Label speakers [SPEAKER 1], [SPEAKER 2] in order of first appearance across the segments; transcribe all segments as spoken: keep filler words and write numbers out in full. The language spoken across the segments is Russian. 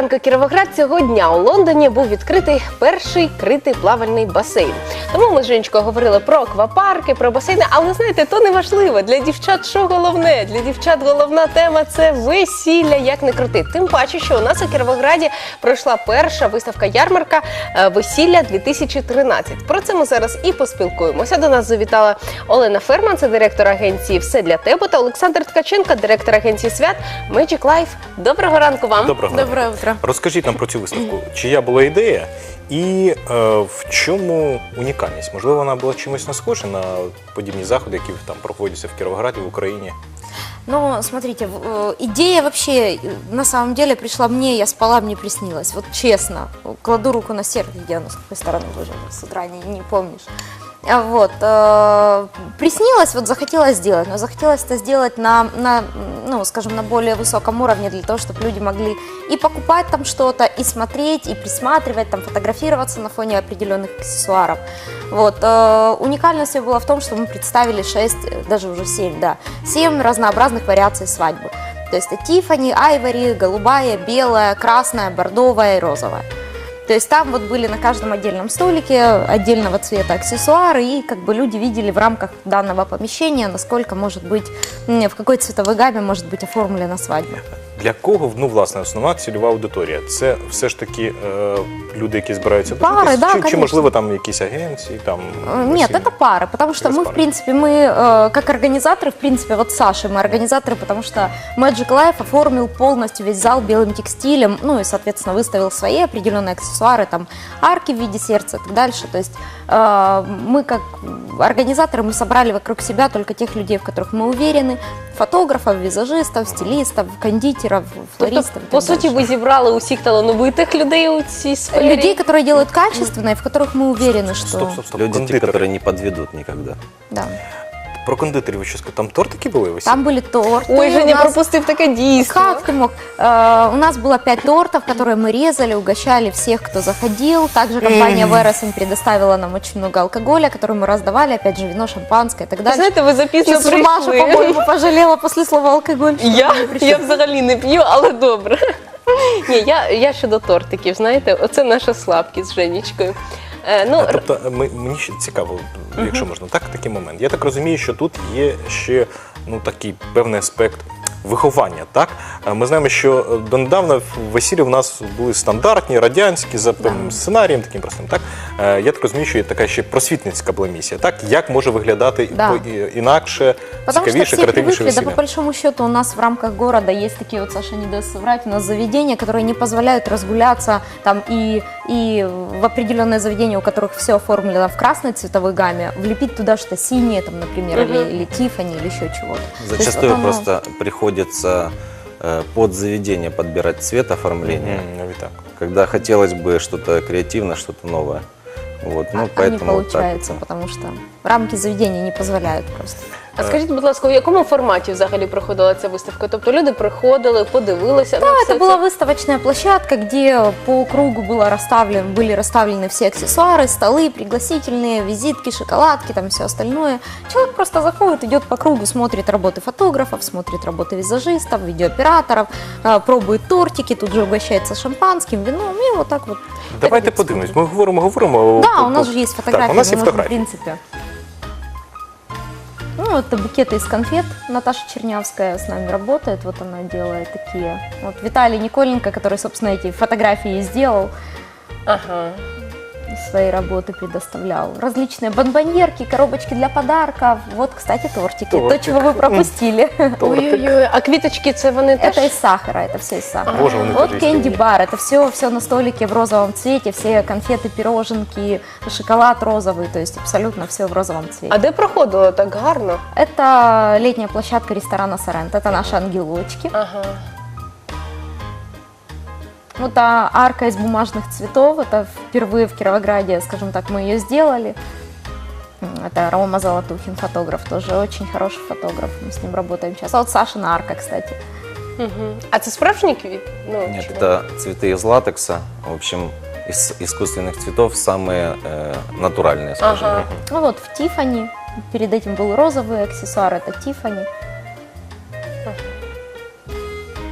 [SPEAKER 1] ранку, Кіровоград. Цього дня у Лондоні був відкритий перший критий плавальний басейн. Тому ми з Женечкою говорили про аквапарки, про басейни, але, знаєте, то не важливо. Для дівчат що головне? Для дівчат головна тема – це весілля, як не крути. Тим паче, що у нас у Кіровограді пройшла перша виставка-ярмарка «Весілля дві тисячі тринадцять». Про це ми зараз і поспілкуємося. До нас завітала Олена Ферман, це директор агенції «Все для тебе», та Олександр Ткаченко, директор агенції свят Magic Life. Доброго ранку вам.
[SPEAKER 2] Доброго
[SPEAKER 3] Доброго утра.
[SPEAKER 2] Розкажіть нам про цю виставку. Чия була ідея і е, в чому унікальність? Можливо, вона була чимось не схожа на подібні заходи, які там проходяться в Кіровограді, в Україні?
[SPEAKER 3] Ну, смотрите, идея вообще на самом деле пришла мне, я спала, мне приснилось. Вот честно, кладу руку на сердце, где оно, с какой стороны уже с утра не, не помнишь. Вот, э, приснилось, вот захотелось сделать, но захотелось это сделать на, на, ну, скажем, на более высоком уровне, для того, чтобы люди могли и покупать там что-то, и смотреть, и присматривать, там, фотографироваться на фоне определенных аксессуаров. Вот, э, уникальность была в том, что мы представили шесть, даже уже семь, да, семь разнообразных вариаций свадьбы. То есть это Тиффани, Айвори, голубая, белая, красная, бордовая и розовая. То есть там вот были на каждом отдельном столике отдельного цвета аксессуары, и как бы люди видели в рамках данного помещения, насколько может быть, в какой цветовой гамме может быть оформлена свадьба.
[SPEAKER 2] Для кого, ну, власне, основна цільова аудиторія? Це все ж таки е, люди, які збираються
[SPEAKER 3] Пары, да,
[SPEAKER 2] чи, чи,
[SPEAKER 3] конечно.
[SPEAKER 2] можливо, там якісь агенції? Там,
[SPEAKER 3] Нет, это пары, потому что
[SPEAKER 2] Через
[SPEAKER 3] мы,
[SPEAKER 2] пары.
[SPEAKER 3] в принципе, мы, э, как организаторы, в принципе, вот с Сашей мы организаторы, потому что Magic Life оформил полностью весь зал белым текстилем, ну и, соответственно, выставил свои определенные аксессуары, там, арки в виде сердца и так дальше. То есть э, мы, как организаторы, мы собрали вокруг себя только тех людей, в которых мы уверены, фотографов, візажистів, стилістів, кондитерів, флористів.
[SPEAKER 1] Тобто, по суті, ви зібрали усіх талановитих людей у цій сфері?
[SPEAKER 3] Людей, которые делают качественно и в которых мы уверены, что...
[SPEAKER 2] Стоп, стоп, стоп.
[SPEAKER 4] Люди, те,
[SPEAKER 2] Кондитери.
[SPEAKER 4] которые не подведут никогда.
[SPEAKER 3] Да.
[SPEAKER 2] Про кондитерів ви що сказали? Там тортики були висіли?
[SPEAKER 3] Там были торты.
[SPEAKER 1] Ой,
[SPEAKER 3] у
[SPEAKER 1] Женя
[SPEAKER 3] нас-
[SPEAKER 1] пропустив таке дійство.
[SPEAKER 3] Как ты мог? Э, у нас было пять тортов, которые мы резали, угощали всех, кто заходил. Также компания Вересен предоставила нам очень много алкоголя, который мы раздавали, опять же, вино, шампанское и так
[SPEAKER 1] Ви
[SPEAKER 3] дальше.
[SPEAKER 1] знаєте, ви запізно
[SPEAKER 3] Сейчас Маша,
[SPEAKER 1] прийшли.
[SPEAKER 3] по-моему, пожалела после слова алкоголь. что
[SPEAKER 1] Я,
[SPEAKER 3] мы не пришли.
[SPEAKER 1] я взагалі не п'ю, але добре. Ні, я, я щодо тортиків, знаєте, оце наша слабкість з Женечкою. Е, ну,
[SPEAKER 2] А, тобто, ми, мені ще цікаво, якщо можна, так, такий момент. Я так розумію, що тут є ще, ну, такий певний аспект виховання, так? А ми знаємо, що донедавна весілля в нас були стандартні, радянські, за певним сценарієм, таким простим, так? Е, Я так розумію, що є така ще просвітницька була місія, так? Як може виглядати
[SPEAKER 3] Да.
[SPEAKER 1] Ну,
[SPEAKER 2] по- і- інакше,
[SPEAKER 3] Потому что
[SPEAKER 2] цікавіше,
[SPEAKER 3] все
[SPEAKER 2] креативніше
[SPEAKER 3] привыкли, да по
[SPEAKER 2] весілля?
[SPEAKER 3] большому счету у нас в рамках города есть такие вот, Саша не даст соврать, у нас заведения, которые не позволяют разгуляться там и, и в определенные заведения, у которых все оформлено в красной цветовой гамме, влепить туда что-то синее, там, например, или, или Тиффани, или еще чего-то. То есть
[SPEAKER 4] Зачастую
[SPEAKER 3] вот оно-
[SPEAKER 4] просто приходится э, под заведение подбирать цвет оформления,
[SPEAKER 2] М, навіть так.
[SPEAKER 4] когда хотелось бы что-то креативное, что-то новое. Вот, ну,
[SPEAKER 3] а не
[SPEAKER 4] поэтому вот так
[SPEAKER 3] получается,
[SPEAKER 4] вот.
[SPEAKER 3] потому что рамки заведения не позволяют просто.
[SPEAKER 1] а скажіть, будь ласка, у якому форматі взагалі проходила ця виставка? Тобто люди приходили, подивилися на
[SPEAKER 3] Да,
[SPEAKER 1] все
[SPEAKER 3] это была выставочная площадка, где по кругу было расставлен, были расставлены все аксессуары, столы, пригласительные, визитки, шоколадки, там все остальное. Человек просто заходит, идет по кругу, смотрит работы фотографов, смотрит работы визажистов, видеооператоров, а, пробует тортики, тут же угощается шампанским, вином, и вот так вот.
[SPEAKER 2] Давайте
[SPEAKER 3] Это
[SPEAKER 2] подивимось. Ми говоримо, говоримо.
[SPEAKER 3] Да,
[SPEAKER 2] о-
[SPEAKER 3] у нас
[SPEAKER 2] о-
[SPEAKER 3] же есть фотографии,
[SPEAKER 2] Так, у нас є
[SPEAKER 3] мы можем, в
[SPEAKER 2] фотографії.
[SPEAKER 3] принципе. Ну, это букеты из конфет. Наташа Чернявская с нами работает, вот она делает такие. Вот Виталий Николенко, который, собственно, эти фотографии и сделал,
[SPEAKER 1] Ага.
[SPEAKER 3] свои работы предоставлял. Различные бонбоньерки, коробочки для подарков. Вот, кстати, тортики.
[SPEAKER 2] Тортик.
[SPEAKER 3] То, чего вы пропустили.
[SPEAKER 1] Ой-ой-ой, а квіточки це вони теж?
[SPEAKER 3] Это из сахара, это все из сахара.
[SPEAKER 2] Боже, вони
[SPEAKER 3] Вот
[SPEAKER 2] теж
[SPEAKER 3] кэнди
[SPEAKER 2] істинні.
[SPEAKER 3] бар, это все, все на столике в розовом цвете, все конфеты, пироженки, шоколад розовый, то есть абсолютно все в розовом цвете.
[SPEAKER 1] А де проходило так гарно?
[SPEAKER 3] Это летняя площадка ресторана Соренто, это наши ангелочки.
[SPEAKER 1] Ага.
[SPEAKER 3] Вот а арка из бумажных цветов, это впервые в Кировограде, скажем так, мы ее сделали. Это Рома Золотухин, фотограф, тоже очень хороший фотограф, мы с ним работаем сейчас. А вот Сашина арка, кстати.
[SPEAKER 1] Угу. А це справжній квіт? Ну,
[SPEAKER 4] Нет,
[SPEAKER 1] чи-
[SPEAKER 4] это цветы из латекса, в общем, из искусственных цветов самые э, натуральные, скажем.
[SPEAKER 1] Ага.
[SPEAKER 3] Ну вот в Тиффани, перед этим был розовый аксессуар, это Тиффани.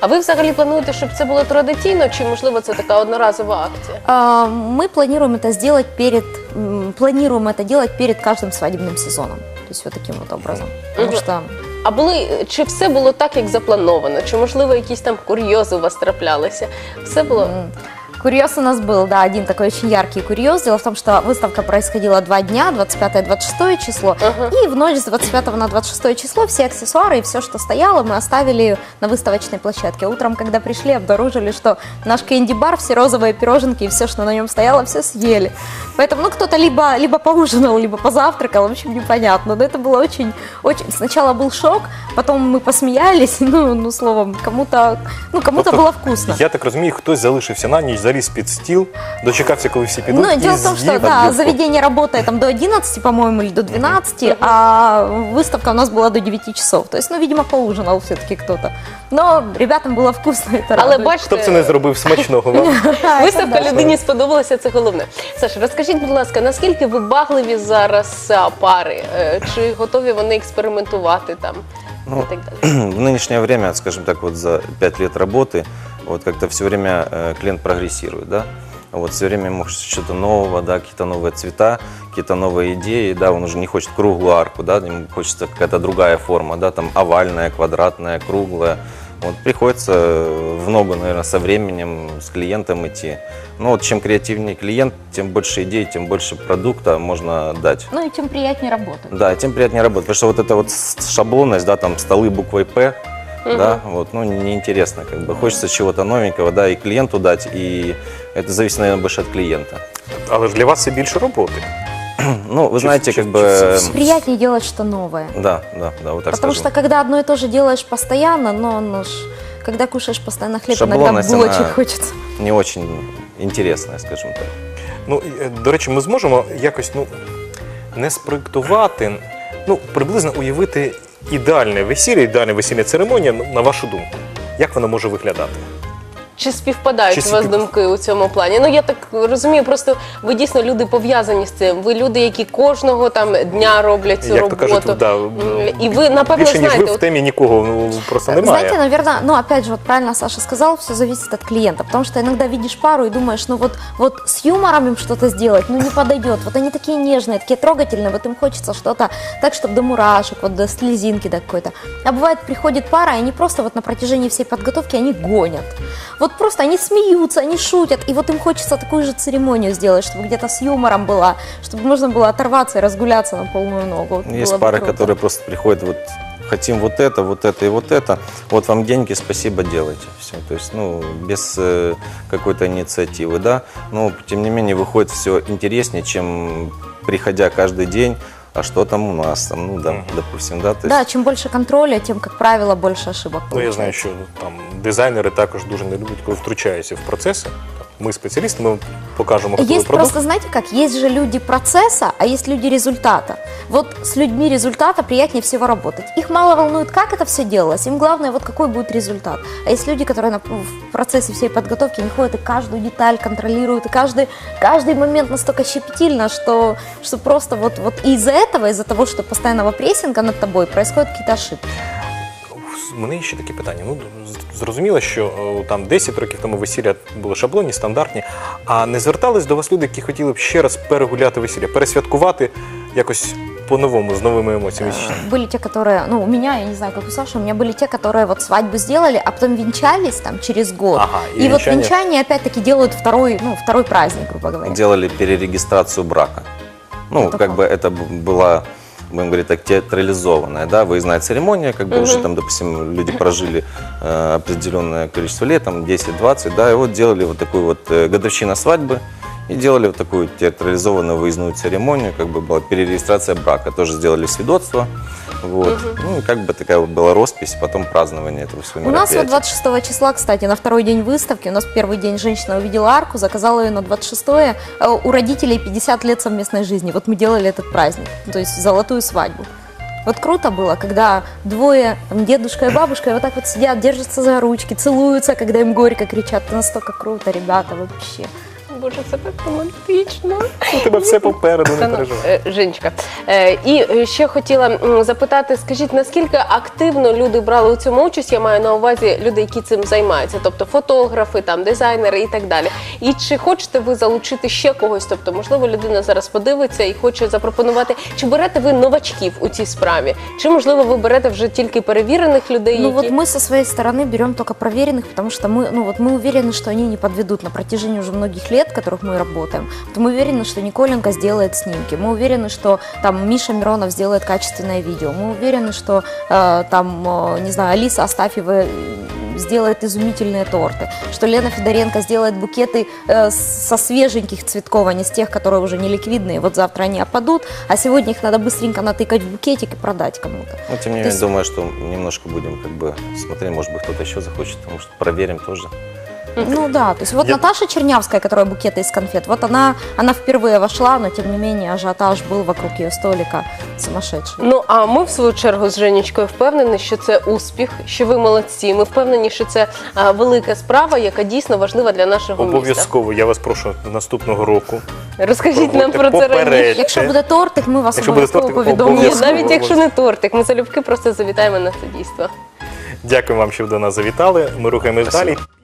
[SPEAKER 1] А ви взагалі плануєте, щоб це було традиційно, чи можливо це така одноразова акція?
[SPEAKER 3] А, Мы планируем это сделать перед, м, планируем это делать перед каждым свадебным сезоном. То есть вот таким вот образом. Потому
[SPEAKER 1] Мгм.
[SPEAKER 3] что
[SPEAKER 1] А були чи все було так, як заплановано? Чи можливо якісь там курйози у вас траплялися? Все було.
[SPEAKER 3] м, курьез у нас был, да, один такой очень яркий курьез. Дело в том, что выставка происходила два дня, двадцать пятое - двадцать шестое число.
[SPEAKER 1] Ага.
[SPEAKER 3] И в ночь с двадцать пятого на двадцать шестое число все аксессуары и все, что стояло, мы оставили на выставочной площадке. Утром, когда пришли, обнаружили, что наш кэнди-бар, все розовые пироженки и все, что на нем стояло, все съели. Поэтому, ну, кто-то либо, либо поужинал, либо позавтракал, в общем, непонятно. Но это было очень, очень... Сначала был шок, потом мы посмеялись, ну, ну словом, кому-то, ну, кому-то
[SPEAKER 2] Тобто,
[SPEAKER 3] было вкусно.
[SPEAKER 2] Я так розумію, хтось залишився на ніч, заліз під стіл, дочекався, коли всі підуть,
[SPEAKER 3] Ну,
[SPEAKER 2] і
[SPEAKER 3] дело в том, что
[SPEAKER 2] з'їв
[SPEAKER 3] да,
[SPEAKER 2] об'єдку.
[SPEAKER 3] заведение работает там до одиннадцати, по-моему, или до двенадцати, а выставка у нас была до девяти часов. То есть, ну, видимо, поужинал все-таки кто-то. Но ребятам было вкусно, это
[SPEAKER 1] Але
[SPEAKER 3] радует.
[SPEAKER 1] бачите,
[SPEAKER 2] Хто б це не зробив смачного вам?
[SPEAKER 1] виставка людині сподобалася, це головне. Саша, розкажіть, будь ласка, наскільки вибагливі зараз а, пари? Е, Чи готові вони експериментувати там
[SPEAKER 4] Ну,
[SPEAKER 1] і так далі?
[SPEAKER 4] В нынешнее время, скажем так, вот за пять лет работы, вот как-то все время э, клиент прогрессирует, да, вот все время ему хочется что-то нового, да, какие-то новые цвета, какие-то новые идеи, да, он уже не хочет круглую арку, да, ему хочется какая-то другая форма, да, там овальная, квадратная, круглая. Вот приходится в ногу, наверное, со временем с клиентом идти. Ну вот чем креативнее клиент, тем больше идей, тем больше продукта можно дать.
[SPEAKER 3] Ну и тем приятнее работать.
[SPEAKER 4] Да, тем приятнее работать, потому что вот эта вот с- шаблонность, да, там столы буквой П, да, вот, ну, неинтересно, как бы, хочется чего-то новенького, да, и клиенту дать, и это зависит, наверное, больше от клиента.
[SPEAKER 2] Але ж для вас це більше роботи.
[SPEAKER 4] Ну, вы знаете,
[SPEAKER 2] чуть-
[SPEAKER 4] как бы,
[SPEAKER 2] чуть-
[SPEAKER 3] Приятнее делать что новое.
[SPEAKER 4] да, да, да, вот так
[SPEAKER 3] Потому
[SPEAKER 4] скажем.
[SPEAKER 3] что когда одно и то же делаешь постоянно, но ну, ж, когда кушаешь постоянно хлеб, иногда
[SPEAKER 4] Шаблонность,
[SPEAKER 3] булочек
[SPEAKER 4] она-
[SPEAKER 3] хочется.
[SPEAKER 4] Не очень интересная, скажем так.
[SPEAKER 2] Ну, і, е, до речі, ми зможемо якось, ну, не спроєктувати, ну, приблизно уявити ідеальне весілля, ідеальна весільна церемонія, ну, на вашу думку. Як вона може виглядати?
[SPEAKER 1] Чи співпадають
[SPEAKER 2] Чи
[SPEAKER 1] у вас
[SPEAKER 2] спів-
[SPEAKER 1] думки у цьому плані? Ну я так розумію, просто ви дійсно люди пов'язані з цим. Ви люди, які кожного там дня роблять цю
[SPEAKER 2] Як то
[SPEAKER 1] роботу.
[SPEAKER 2] кажуть, да,
[SPEAKER 1] М, І ви напевно
[SPEAKER 2] більше, ніж ви
[SPEAKER 1] знаєте,
[SPEAKER 2] в
[SPEAKER 1] от
[SPEAKER 2] темі нікого ну, просто немає.
[SPEAKER 3] Знаете, наверное, ну опять же, вот правильно Саша сказал, все зависит от клиента, потому что иногда видишь пару и думаешь, ну вот, вот с юмором им что-то сделать, ну не подойдет, вот они такие нежные, такие трогательные, вот им хочется что-то так, чтобы до мурашек, вот до слезинки до какой-то. А бывает, приходит пара, и они просто вот на протяжении всей подготовки, они гонят. Вот просто они смеются, они шутят, и вот им хочется такую же церемонию сделать, чтобы где-то с юмором была, чтобы можно было оторваться и разгуляться на полную ногу. Вот
[SPEAKER 4] Есть
[SPEAKER 3] было бы
[SPEAKER 4] пары,
[SPEAKER 3] круто.
[SPEAKER 4] которые просто приходят, вот хотим вот это, вот это и вот это, вот вам деньги, спасибо, делайте. Все. То есть, ну, без э, какой-то инициативы, да. Но, тем не менее, выходит все интереснее, чем приходя каждый день, а что там у нас, там, ну, да,
[SPEAKER 2] Мгм.
[SPEAKER 4] допустим, да. То есть,
[SPEAKER 3] Да, чем больше контроля, тем, как правило, больше ошибок
[SPEAKER 2] Ну, я
[SPEAKER 3] получается.
[SPEAKER 2] знаю, що там дизайнери також дуже не люблять, коли втручаються в процеси. Ми спеціалісти, ми покажемо готовий
[SPEAKER 3] Есть
[SPEAKER 2] продукт.
[SPEAKER 3] просто, знаете как, есть же люди процесса, а есть люди результата. Вот с людьми результата приятнее всего работать. Их мало волнует, как это все делалось, им главное, вот какой будет результат. А есть люди, которые на- в процессе всей подготовки не ходят и каждую деталь контролируют, и каждый, каждый момент настолько щепетильно, что, что просто вот, вот из-за этого, из-за того, что постоянного прессинга над тобой, происходят какие-то ошибки.
[SPEAKER 2] У мене є ще такі питання. Ну, з- зрозуміло, що е, там десять років тому весілля були шаблонні, стандартні, а не звертались до вас люди, які хотіли б ще раз перегуляти весілля, пересвяткувати якось по-новому, з новими емоціями?
[SPEAKER 3] Были те, которые, ну, у меня, я не знаю, как у Саши, у меня были те, которые вот свадьбу сделали, а потом венчались там через год.
[SPEAKER 2] Ага, и
[SPEAKER 3] и вот
[SPEAKER 2] венчание-
[SPEAKER 3] венчание опять-таки делают второй, ну, второй праздник, грубо говоря.
[SPEAKER 4] делали перерегистрацию брака. Ну,
[SPEAKER 3] Это
[SPEAKER 4] как
[SPEAKER 3] как?
[SPEAKER 4] бы это б- была, будем говорить так, театрализованная, да, выездная церемония, как бы уже там, допустим, люди прожили э, определенное количество лет, там десять-двадцать, да, и вот делали вот такую вот э, годовщина свадьбы, и делали вот такую театрализованную выездную церемонию, как бы была перерегистрация брака, тоже сделали свидетельство, вот, ну, и как бы такая вот была роспись, потом празднование этого всего
[SPEAKER 3] У нас вот
[SPEAKER 4] мероприятия.
[SPEAKER 3] двадцать шестого числа, кстати, на второй день выставки, у нас первый день женщина увидела арку, заказала ее на двадцать шестое, э, у родителей пятьдесят лет совместной жизни, вот мы делали этот праздник, то есть золотую свадьбу. Вот круто было, когда двое, там, дедушка и бабушка, вот так вот сидят, держатся за ручки, целуются, когда им горько кричат, это настолько круто, ребята, вообще.
[SPEAKER 1] боже, це так романтично.
[SPEAKER 2] У тебе все попереду,
[SPEAKER 1] Та
[SPEAKER 2] не
[SPEAKER 1] ну,
[SPEAKER 2] переживай.
[SPEAKER 1] е, Женечка, е, і ще хотіла м, запитати, скажіть, наскільки активно люди брали у цьому участь, я маю на увазі люди, які цим займаються, тобто фотографи, там, дизайнери і так далі. І чи хочете ви залучити ще когось, тобто, можливо, людина зараз подивиться і хоче запропонувати, чи берете ви новачків у цій справі, чи, можливо, ви берете вже тільки перевірених людей,
[SPEAKER 3] Ну
[SPEAKER 1] які...
[SPEAKER 3] вот мы со своей стороны берем только проверенных, потому что мы, ну вот мы уверены, что они не подведут на протяжении уже многих лет, в которых мы работаем. То мы уверены, что Николенко сделает снимки, мы уверены, что там Миша Миронов сделает качественное видео, мы уверены, что э, там, э, не знаю, Алиса Астафьева э, сделает изумительные торты, что Лена Федоренко сделает букеты э, со свеженьких цветков, а не с тех, которые уже не ликвидные. Вот завтра они опадут, а сегодня их надо быстренько натыкать в букетик и продать кому-то.
[SPEAKER 4] Но тем не
[SPEAKER 3] То
[SPEAKER 4] менее,
[SPEAKER 3] есть-
[SPEAKER 4] думаю, что немножко будем как бы смотреть, может быть, кто-то еще захочет, потому что проверим тоже.
[SPEAKER 3] Ну да, то есть вот
[SPEAKER 2] Я-
[SPEAKER 3] Наташа Чернявская, которая букеты из конфет, вот она, она впервые вошла, но тем не менее ажиотаж был вокруг ее столика сумасшедший.
[SPEAKER 1] Ну, а ми, в свою чергу, з Женечкою впевнені, що це успіх, що ви молодці. Ми впевнені, що це а, велика справа, яка дійсно важлива для нашого міста.
[SPEAKER 2] Обов'язково, я вас прошу наступного року.
[SPEAKER 1] Розкажіть нам
[SPEAKER 2] Проводьте
[SPEAKER 1] про це раніше.
[SPEAKER 2] попередньо.
[SPEAKER 3] Якщо буде тортик, ми вас
[SPEAKER 2] Якщо буде
[SPEAKER 3] обов'язково
[SPEAKER 2] тортик,
[SPEAKER 3] повідомимо.
[SPEAKER 1] Ні,
[SPEAKER 2] обов'язково.
[SPEAKER 1] навіть якщо не тортик, ми залюбки просто завітаємо на це дійство.
[SPEAKER 2] Дякую вам, що ви до нас завітали. Ми рухаємось
[SPEAKER 4] Спасибо.
[SPEAKER 2] далі.